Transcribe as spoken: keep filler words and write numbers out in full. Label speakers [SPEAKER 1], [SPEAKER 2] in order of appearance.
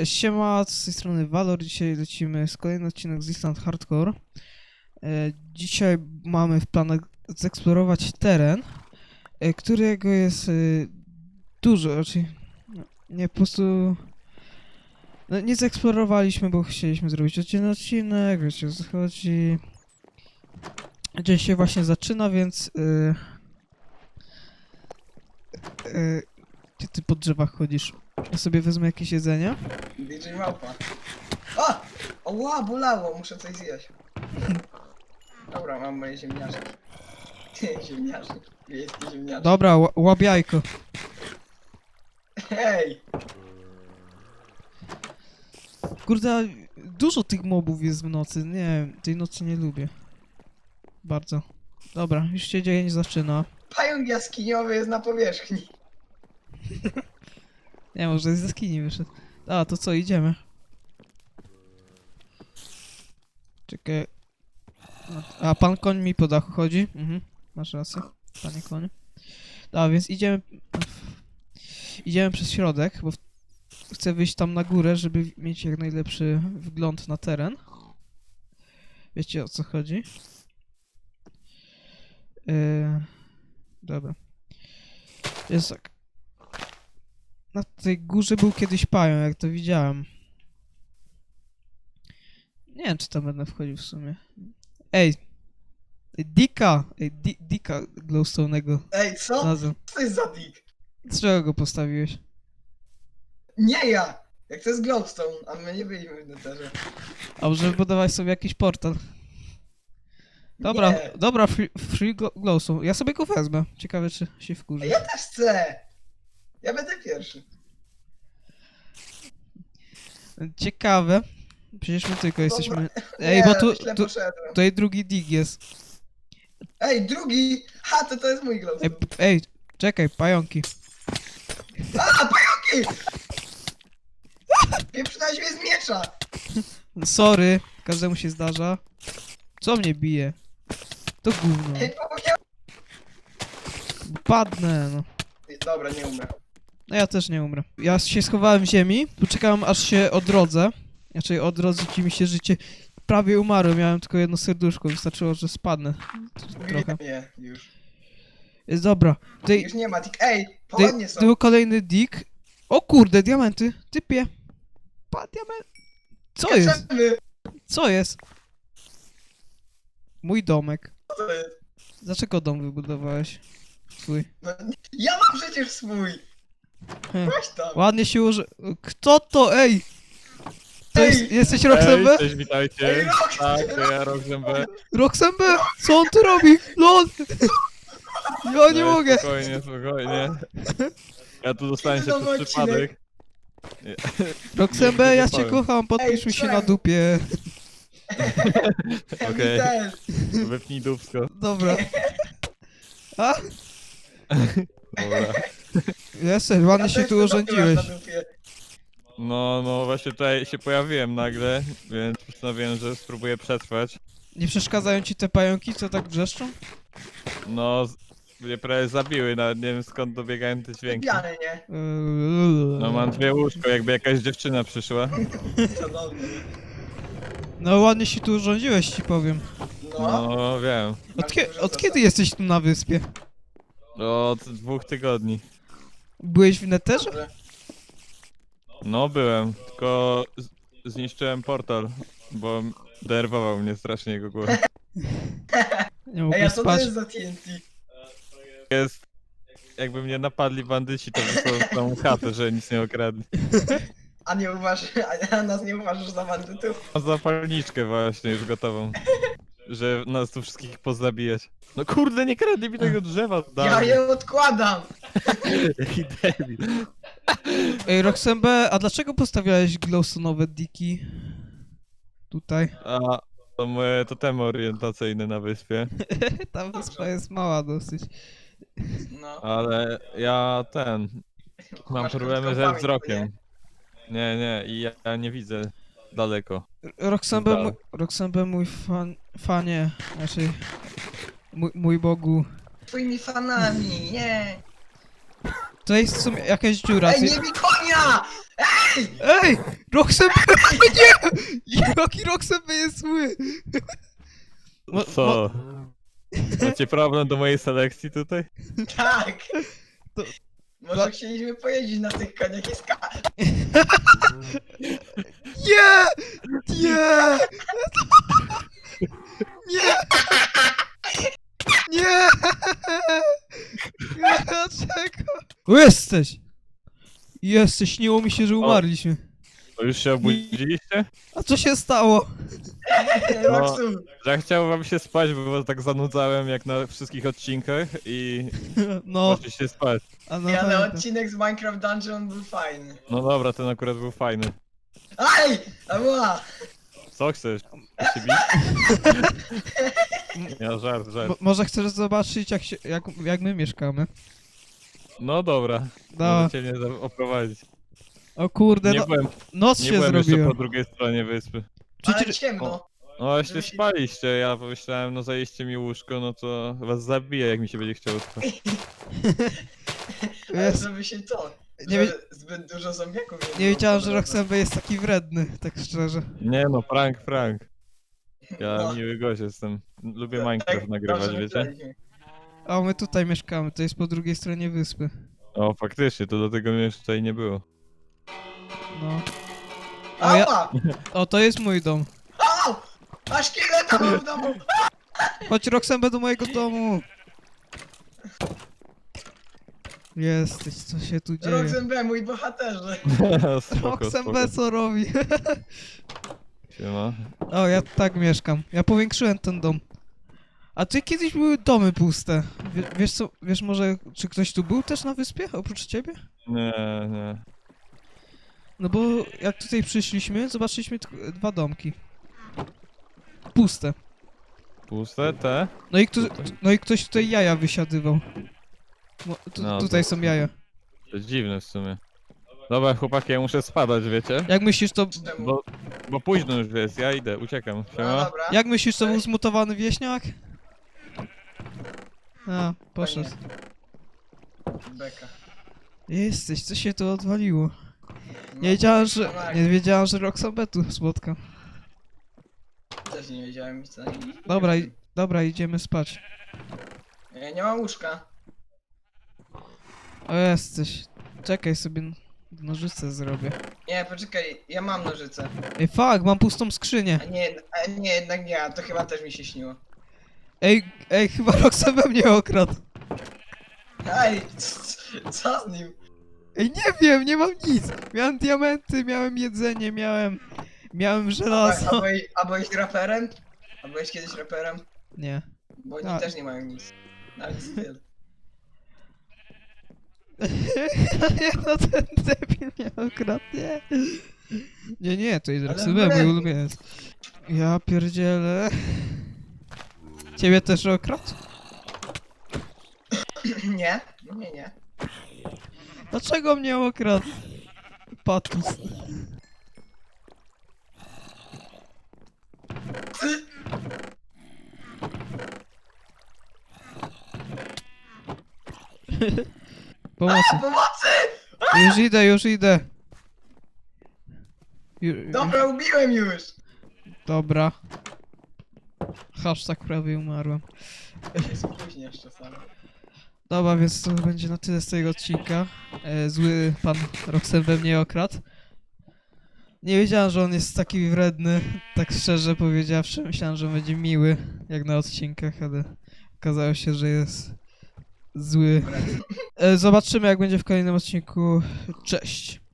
[SPEAKER 1] E, Siema, z tej strony Valor. Dzisiaj lecimy z kolejny odcinek z Island Hardcore. E, Dzisiaj mamy w planach zeksplorować teren, e, którego jest e, dużo, raczej no, nie po prostu... No, nie zeksplorowaliśmy, bo chcieliśmy zrobić oddzielny odcinek, wiecie o co chodzi. Dzień się właśnie zaczyna, więc... E, e, gdzie ty po drzewach chodzisz? Ja sobie wezmę jakieś jedzenie.
[SPEAKER 2] D J Małpa. O! Oła, bolało, muszę coś zjeść. Dobra, mam moje ziemniaczki. Ziemniaczki. Wiejskie ziemniaczki.
[SPEAKER 1] Dobra, ła- łap jajko.
[SPEAKER 2] Hej!
[SPEAKER 1] Kurde, dużo tych mobów jest w nocy. Nie, tej nocy nie lubię. Bardzo. Dobra, już się dzień zaczyna.
[SPEAKER 2] Pająk jaskiniowy jest na powierzchni.
[SPEAKER 1] Nie, może z jaskini wyszedł. A, to co, idziemy. Czekaj. A, pan koń mi po dachu chodzi. Mhm, masz rację, panie konie. A, więc idziemy... Idziemy przez środek, bo w... chcę wyjść tam na górę, żeby mieć jak najlepszy wgląd na teren. Wiecie o co chodzi? Yy... Dobra. Jest tak. Na tej górze był kiedyś pająk, jak to widziałem. Nie wiem, czy tam będę wchodził w sumie. Ej! Ej, Dika! Ej, di Dika glowstone'ego
[SPEAKER 2] Ej, co?
[SPEAKER 1] znalazłem.
[SPEAKER 2] Co to jest za dick?
[SPEAKER 1] Dlaczego go postawiłeś?
[SPEAKER 2] Nie ja! Jak to jest glowstone, a my nie byliśmy w netherze.
[SPEAKER 1] A może wybudować sobie jakiś portal? Dobra,
[SPEAKER 2] Nie.
[SPEAKER 1] dobra, free, free glo glowstone. Ja sobie go wezmę. Ciekawe, czy się
[SPEAKER 2] A
[SPEAKER 1] wkurzy.
[SPEAKER 2] ja też chcę! Ja będę pierwszy.
[SPEAKER 1] Ciekawe. Przecież my tylko jesteśmy...
[SPEAKER 2] Dobra.
[SPEAKER 1] Ej,
[SPEAKER 2] Nie,
[SPEAKER 1] bo tu,
[SPEAKER 2] źle
[SPEAKER 1] tu,
[SPEAKER 2] poszedłem.
[SPEAKER 1] tutaj drugi dig jest.
[SPEAKER 2] Ej, drugi! Ha, to to jest mój
[SPEAKER 1] Ej,
[SPEAKER 2] glowstone.
[SPEAKER 1] p- ej, czekaj, pająki.
[SPEAKER 2] A, pająki! Pieprzynałeś mnie z miecza!
[SPEAKER 1] Sorry, każdemu się zdarza. Co mnie bije? To gówno.
[SPEAKER 2] Ej, pomogę.
[SPEAKER 1] Padnę, no.
[SPEAKER 2] Dobra, nie umrę.
[SPEAKER 1] No ja też nie umrę. Ja się schowałem w ziemi, tu czekałem aż się odrodzę. Znaczy odrodzi ci mi się życie. Prawie umarłem, miałem tylko jedno serduszko, wystarczyło, że spadnę. Trochę.
[SPEAKER 2] Nie, już.
[SPEAKER 1] Jest dobra. Tutaj,
[SPEAKER 2] Już nie ma dick. Ej,
[SPEAKER 1] tutaj
[SPEAKER 2] pochodnie są.
[SPEAKER 1] był kolejny dig. O kurde, diamenty. Typie. Pa, diament. Co jest?
[SPEAKER 2] Skaczemy.
[SPEAKER 1] Co jest? Mój domek.
[SPEAKER 2] Co to jest?
[SPEAKER 1] Dlaczego dom wybudowałeś? Twój.
[SPEAKER 2] No, ja mam przecież swój.
[SPEAKER 1] Hm.
[SPEAKER 2] Weź tam.
[SPEAKER 1] Ładnie się uży... Kto to? Ej! To
[SPEAKER 2] Ej!
[SPEAKER 1] jest, jesteś
[SPEAKER 3] Ej,
[SPEAKER 1] Roxembe?
[SPEAKER 3] cześć, witajcie.
[SPEAKER 2] Ej, Rox!
[SPEAKER 3] Tak, to ja Roxembe.
[SPEAKER 1] Roxembe? Co on tu robi? LOL! Ja nie
[SPEAKER 3] No,
[SPEAKER 1] mogę!
[SPEAKER 3] Spokojnie, spokojnie. Ja tu dostaję się
[SPEAKER 2] Nowy
[SPEAKER 3] przez
[SPEAKER 2] odcinek.
[SPEAKER 3] przypadek.
[SPEAKER 1] Roxembe,
[SPEAKER 3] nie
[SPEAKER 1] ja cię
[SPEAKER 3] powiem.
[SPEAKER 1] kocham, podpisz
[SPEAKER 2] Ej,
[SPEAKER 1] mi się na
[SPEAKER 2] czemu?
[SPEAKER 1] dupie.
[SPEAKER 2] Ja
[SPEAKER 3] Okej.
[SPEAKER 2] też.
[SPEAKER 3] Wypnij dupsko.
[SPEAKER 1] Dobra. A?
[SPEAKER 3] Dobra.
[SPEAKER 1] Jesteś, ładnie
[SPEAKER 2] Ja
[SPEAKER 1] się
[SPEAKER 2] też
[SPEAKER 1] tu
[SPEAKER 2] to
[SPEAKER 1] urządziłeś.
[SPEAKER 2] tatuaż na dupie.
[SPEAKER 3] No, no właśnie tutaj się pojawiłem nagle, więc postanowiłem, że spróbuję przetrwać.
[SPEAKER 1] Nie przeszkadzają ci te pająki, co tak wrzeszczą?
[SPEAKER 3] No, z- mnie prawie zabiły, nawet nie wiem skąd dobiegają te dźwięki.
[SPEAKER 2] Pijany, nie?
[SPEAKER 1] Eee,
[SPEAKER 3] No mam dwie łóżko, jakby jakaś dziewczyna przyszła.
[SPEAKER 2] Cudowny.
[SPEAKER 1] No ładnie się tu urządziłeś, ci powiem.
[SPEAKER 2] No.
[SPEAKER 3] No, wiem.
[SPEAKER 1] Od, kie od kiedy jesteś tu na wyspie?
[SPEAKER 3] Od dwóch tygodni.
[SPEAKER 1] Byłeś w neterze?
[SPEAKER 2] Dobrze.
[SPEAKER 3] No, byłem, tylko z- zniszczyłem portal, bo denerwował mnie strasznie jego głos.
[SPEAKER 1] Nie
[SPEAKER 2] Ej,
[SPEAKER 1] mogłem
[SPEAKER 2] a co to
[SPEAKER 1] spać.
[SPEAKER 2] jest za T N T?
[SPEAKER 3] Jest, jakby mnie napadli bandyci, to wysłał tą chatę, że nic nie okradli.
[SPEAKER 2] A nie uważasz, a nas nie uważasz za bandytów?
[SPEAKER 3] Mam zapalniczkę właśnie już gotową, że nas tu wszystkich pozabijać. No kurde, nie kradli mi tego drzewa,
[SPEAKER 2] Ja
[SPEAKER 3] dawno.
[SPEAKER 2] je odkładam!
[SPEAKER 3] Jaki debil.
[SPEAKER 1] Ej, Roxembe, a dlaczego postawiałeś glowstone'owe diki? Tutaj.
[SPEAKER 3] A, to moje totemy orientacyjne na wyspie,
[SPEAKER 1] Ta wyspa jest mała dosyć.
[SPEAKER 2] No.
[SPEAKER 3] ale ja ten, mam
[SPEAKER 2] Masz
[SPEAKER 3] problemy
[SPEAKER 2] krótką
[SPEAKER 3] ze
[SPEAKER 2] pamięć,
[SPEAKER 3] wzrokiem. Nie, nie, i ja, ja nie widzę daleko.
[SPEAKER 1] Roxembe,
[SPEAKER 3] Zdał.
[SPEAKER 1] mój, Roxembe, mój fan, fanie, znaczy, mój, mój Bogu.
[SPEAKER 2] Twoimi fanami, nie!
[SPEAKER 1] To jest w sumie jakaś dziura.
[SPEAKER 2] Ej,
[SPEAKER 1] Ty,
[SPEAKER 2] nie bij konia!
[SPEAKER 1] Ej! Roxembe! Nie! Jaki Roxembe jest zły! Mo-
[SPEAKER 3] Co? Macie problem do mojej selekcji tutaj?
[SPEAKER 2] Tak!
[SPEAKER 1] To-
[SPEAKER 2] Może
[SPEAKER 1] Dla-
[SPEAKER 2] chcieliśmy pojeździć na tych koniach i ska...
[SPEAKER 1] Nie! Nie! Nie! Nie! Dlaczego? O, jesteś! Jesteś, śniło mi się, że umarliśmy.
[SPEAKER 3] To już się obudziliście?
[SPEAKER 1] A co się stało?
[SPEAKER 2] Roxu!
[SPEAKER 3] Że chciałem wam się spać, bo was tak zanudzałem jak na wszystkich odcinkach i
[SPEAKER 1] No,
[SPEAKER 3] poszliście spać.
[SPEAKER 1] a no
[SPEAKER 2] Ja, ale
[SPEAKER 1] pamiętam.
[SPEAKER 2] odcinek z Minecraft Dungeon był fajny.
[SPEAKER 3] No dobra, ten akurat był fajny.
[SPEAKER 2] Aj! Ała!
[SPEAKER 3] Co chcesz? Chcesz się bić? Ja żart, żart.
[SPEAKER 1] Mo- może chcesz zobaczyć, jak, się, jak, jak my mieszkamy?
[SPEAKER 3] No dobra,
[SPEAKER 1] No,
[SPEAKER 3] możecie mnie za- oprowadzić.
[SPEAKER 1] o kurde,
[SPEAKER 3] Nie
[SPEAKER 1] no,
[SPEAKER 3] byłem,
[SPEAKER 1] noc
[SPEAKER 3] nie
[SPEAKER 1] się
[SPEAKER 3] byłem jeszcze
[SPEAKER 1] zrobiła.
[SPEAKER 3] po drugiej stronie wyspy.
[SPEAKER 2] Ale
[SPEAKER 1] Przecież,
[SPEAKER 2] ciemno.
[SPEAKER 3] No właśnie
[SPEAKER 2] Żeby się-
[SPEAKER 3] spaliście, ja pomyślałem, no zajęście mi łóżko, no to was zabiję, jak mi się będzie chciało spać.
[SPEAKER 2] Ale
[SPEAKER 1] jest,
[SPEAKER 2] żeby się to...
[SPEAKER 1] Nie
[SPEAKER 2] że
[SPEAKER 1] wie-
[SPEAKER 2] zbyt dużo zombiaków
[SPEAKER 1] nie
[SPEAKER 2] było
[SPEAKER 1] wiedziałem,
[SPEAKER 2] po
[SPEAKER 1] że
[SPEAKER 2] drodze.
[SPEAKER 1] Roxembe jest taki wredny, tak szczerze.
[SPEAKER 3] Nie no, prank, prank. Ja
[SPEAKER 2] No.
[SPEAKER 3] miły gość jestem. Lubię
[SPEAKER 2] Tak,
[SPEAKER 3] Minecraft nagrywać,
[SPEAKER 2] dobrze
[SPEAKER 3] wiecie?
[SPEAKER 2] myśleliśmy.
[SPEAKER 1] A my tutaj mieszkamy, to jest po drugiej stronie wyspy.
[SPEAKER 3] O, faktycznie, to dlatego mnie już tutaj nie było.
[SPEAKER 1] No. O, ja,
[SPEAKER 2] Ała!
[SPEAKER 1] o, to jest mój dom.
[SPEAKER 2] Au! A szkieleta mam w domu!
[SPEAKER 1] Chodź Roxembe do mojego domu. Jesteś, co się tu dzieje?
[SPEAKER 2] Roxembe, mój bohaterze.
[SPEAKER 3] spoko,
[SPEAKER 1] Roxembe
[SPEAKER 3] spoko.
[SPEAKER 1] co robi?
[SPEAKER 3] Siema.
[SPEAKER 1] O, ja tak mieszkam. Ja powiększyłem ten dom. A ty kiedyś były domy puste. Wie, wiesz co, wiesz może, czy ktoś tu był też na wyspie, oprócz ciebie?
[SPEAKER 3] Nie, nie.
[SPEAKER 1] No bo jak tutaj przyszliśmy, zobaczyliśmy tylko dwa domki. Puste.
[SPEAKER 3] Puste te?
[SPEAKER 1] No i, kto,
[SPEAKER 3] Tutaj.
[SPEAKER 1] no i ktoś tutaj jaja wysiadywał. No, tu,
[SPEAKER 3] No,
[SPEAKER 1] tutaj
[SPEAKER 3] to-
[SPEAKER 1] są jaja.
[SPEAKER 3] To dziwne w sumie. Dobra, chłopaki, ja muszę spadać, wiecie?
[SPEAKER 1] Jak myślisz, to...
[SPEAKER 2] Czemu?
[SPEAKER 3] Bo, bo późno już jest, ja idę, uciekam.
[SPEAKER 2] No
[SPEAKER 3] Siema.
[SPEAKER 2] dobra.
[SPEAKER 1] Jak myślisz, to był
[SPEAKER 2] Cześć.
[SPEAKER 1] zmutowany wieśniak? A, poszedł.
[SPEAKER 2] Beka.
[SPEAKER 1] Jesteś, co się tu odwaliło?
[SPEAKER 2] No,
[SPEAKER 1] Nie wiedziałem, że...
[SPEAKER 2] tak.
[SPEAKER 1] Nie wiedziałem, że Roxanne tu spotkam.
[SPEAKER 2] Też nie wiedziałem co.
[SPEAKER 1] Dobra, i, dobra, idziemy spać.
[SPEAKER 2] Ja nie mam łóżka.
[SPEAKER 1] O, jesteś. Czekaj sobie, nożyce zrobię.
[SPEAKER 2] Nie, poczekaj, ja mam nożyce.
[SPEAKER 1] Ej, fuck, mam pustą skrzynię.
[SPEAKER 2] A nie, a nie, jednak nie, a to chyba też mi się śniło.
[SPEAKER 1] Ej, ej, chyba Roxanne mnie okradł.
[SPEAKER 2] Ej, c- co z nim?
[SPEAKER 1] Ej, nie wiem, nie mam nic. Miałem diamenty, miałem jedzenie, miałem... Miałem
[SPEAKER 2] A, a,
[SPEAKER 1] żelazo.
[SPEAKER 2] byłeś, a byłeś raperem? A byłeś kiedyś raperem?
[SPEAKER 1] Nie.
[SPEAKER 2] Bo oni
[SPEAKER 1] A.
[SPEAKER 2] też nie mają nic. Nawet styl.
[SPEAKER 1] Nie, no ten debil mnie okradł, nie. Nie, nie, to jest
[SPEAKER 2] Ale
[SPEAKER 1] Roxanne, mój
[SPEAKER 2] wredny.
[SPEAKER 1] ulubieniec. Ja pierdzielę. Ciebie też okradł?
[SPEAKER 2] Nie? Nie, nie.
[SPEAKER 1] Dlaczego mnie okradł? Patus.
[SPEAKER 2] Ty-
[SPEAKER 1] Pomocy.
[SPEAKER 2] Pomocy!
[SPEAKER 1] Już idę, już idę. Ju,
[SPEAKER 2] Dobra, ubiłem już!
[SPEAKER 1] dobra. Hashtag prawie umarłem.
[SPEAKER 2] Ja się spóźniasz czasami.
[SPEAKER 1] Dobra, więc to będzie na tyle z tego odcinka. E, zły pan Roxanne we mnie okradł. Nie wiedziałem, że on jest taki wredny, tak szczerze powiedziawszy. Myślałem, że będzie miły, jak na odcinkach, ale okazało się, że jest zły. E, zobaczymy, jak będzie w kolejnym odcinku. Cześć.